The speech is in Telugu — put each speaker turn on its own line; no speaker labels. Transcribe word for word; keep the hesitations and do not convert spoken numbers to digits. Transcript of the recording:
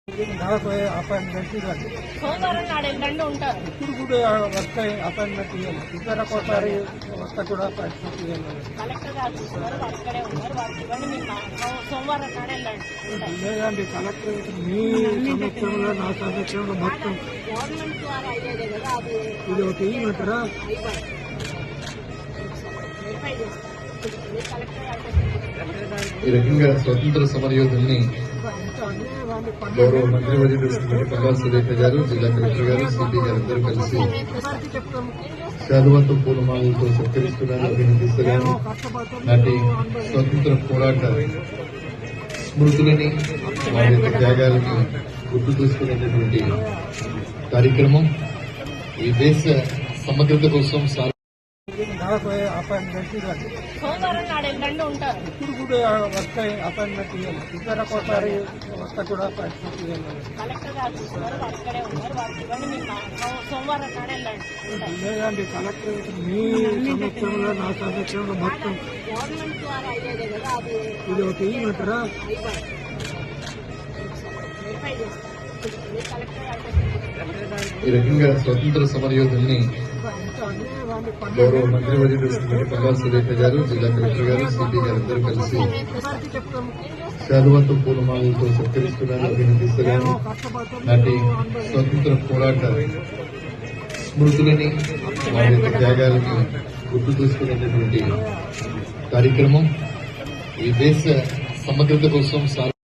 నాకు అపాయింట్మెంట్ ఇవ్వండి.
సోమవారం నాడు వెళ్ళండి ఉంటారు.
ఇప్పుడు కూడా వస్తాయి అపాయింట్మెంట్ ఇవ్వాలి. ఇద్దరు ఒకసారి వస్తా కూడా అపాయింట్మెంట్ ఇవ్వాలి.
కలెక్టర్ గారు చూస్తున్నారు, వారు ఇక్కడే ఉన్నారు, వారికి ఇవ్వండి. మీరు మా- సోమవారం నాడు వెళ్ళండి ఉంటారు.
లేదండి కలెక్టర్ మీ సంవత్సరంలో నా సంవత్సరంలో మొత్తం
గవర్నమెంట్ ద్వారా అయ్యేదే కదా, అది
ఇది ఒకటి ఇవ్వమంటారా?
అయిపోయింది. వెరిఫై చేస్తారు. మీరు కలెక్టర్ గారు
ఈ రకంగా స్వతంత్ర సమరయోధుల్ని గౌరవ మంత్రివర్యులు శ్రీమతి పల్లా సురేఖ గారు, జిల్లా కలెక్టర్ గారు, సిపి గారు అందరూ కలిసి శాలువాతో పూలమాలలతో సత్కరిస్తున్నారు, అభినందిస్తున్నారు. నాటి స్వతంత్ర పోరాట స్మృతులని, వారి యొక్క త్యాగాలని గుర్తు చేసుకునేటటువంటి కార్యక్రమం ఈ దేశ సమగ్రత కోసం సార్
నాకు అపాయింట్మెంట్ ఇవ్వండి.
సోమవారం నాడు వెళ్ళండి ఉంటారు.
ఇప్పుడు కూడా వస్తాయి అపాయింట్మెంట్ ఇవ్వాలి. ఇద్దరు ఒకసారి వస్తా కూడా అపాయింట్మెంట్ ఇవ్వాలి.
కలెక్టర్ గారు చూస్తున్నారు, వారు ఇక్కడే ఉన్నారు, వారికి ఇవ్వండి. మీరు మా- సోమవారం నాడు వెళ్ళండి ఉంటారు.
లేదండి కలెక్టర్ మీ సంవత్సరంలో నా సంవత్సరంలో మొత్తం
గవర్నమెంట్ ద్వారా అయ్యేదే కదా, అది
ఇది ఒకటి ఇవ్వమంటారా?
అయిపోయింది. వెరిఫై చేస్తారు. మీరు కలెక్టర్ గారు
ఈ రకంగా స్వతంత్ర సమరయోధుల్ని గౌరవ మంత్రివర్యులు శ్రీమతి పల్లా సురేఖ గారు, జిల్లా కలెక్టర్ గారు, సిపి గారు అందరూ కలిసి శాలువాతో పూలమాలలతో సత్కరిస్తున్నారు, అభినందిస్తున్నారు. నాటి స్వతంత్ర పోరాట స్మృతులని, వారి యొక్క త్యాగాలని గుర్తు చేసుకునేటటువంటి కార్యక్రమం ఈ దేశ సమగ్రత కోసం సార్